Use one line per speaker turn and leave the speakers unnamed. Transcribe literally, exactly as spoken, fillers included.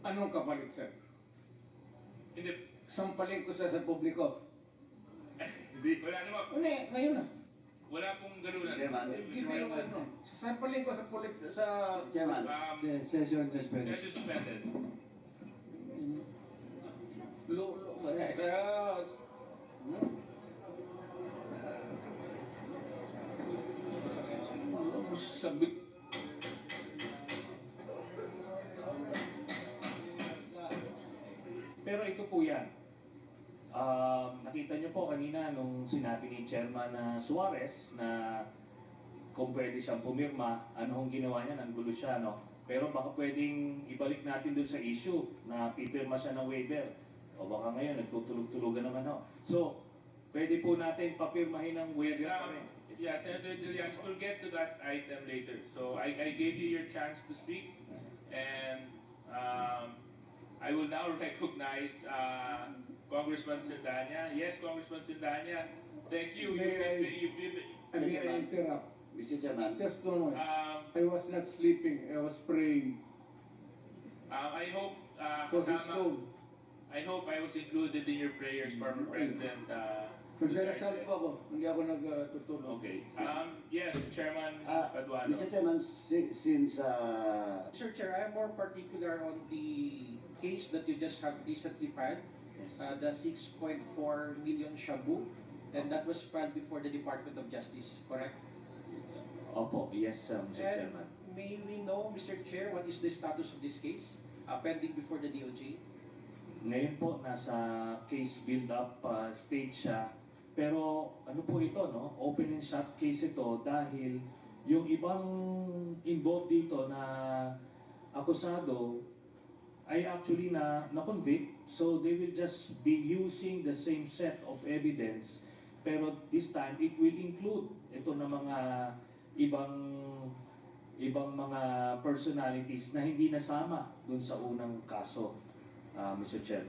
Anong kapalit, sir?
Hindi.
Sampalin ko sa sa publiko.
Hindi. Wala naman.
Ano eh, ngayon na.
Wala pong ganun.
Chairman.
Give me yung ano. Sampalin ko sa pulit, sa...
Chairman.
Um,
Se- Session suspended.
session suspended.
Lo, lo, kaya... Hmm? Sabit.
Pero ito po yan. Um, nakita nyo po kanina nung sinabi ni Chairman na Suarez na kung pwede siyang pumirma, ano hong ginawa niya, nanggulo siya, no? Pero baka pwedeng ibalik natin dun sa issue na pipirma siya ng waiver. O baka ngayon, nagtutulog-tulugan naman, no? So, pwede po natin papirmahin ng
Yes,
waiver pa
um,
rin.
yeah, Senator Trillanes, we'll get to that item later. So I, I gave you your chance to speak, and um, I will now recognize uh, Congressman Sindanya. Yes, Congressman Sindanya, thank you.
May I-
You've been,
I mean, I interrupt.
Mister Chairman.
Just don't worry.
um,
I was not sleeping. I was praying
uh, I hope uh,
for his
kasama-
soul.
I hope I was included in your prayers, former President. Uh,
Nagdarasal
Duterte.
po ako. Hindi ako nagtutulog.
Okay. Um, yes, Chairman
Ah,
Paduano.
Mister Chairman, si- since uh,
Mister Chair, I am more particular on the case that you just have recently filed, uh, the six point four million shabu, and that was filed before the Department of Justice, correct?
Opo, yes, um, Mister Chairman.
And may we know, Mister Chair, what is the status of this case, uh, pending before the D O J?
Ngayon po, nasa case build-up uh, stage siya. Pero ano po ito, no? Open and shut case ito dahil yung ibang involved dito na akusado ay actually na na-convict. So they will just be using the same set of evidence. Pero this time, it will include ito na mga ibang ibang mga personalities na hindi nasama dun sa unang kaso, uh, Mister Chair.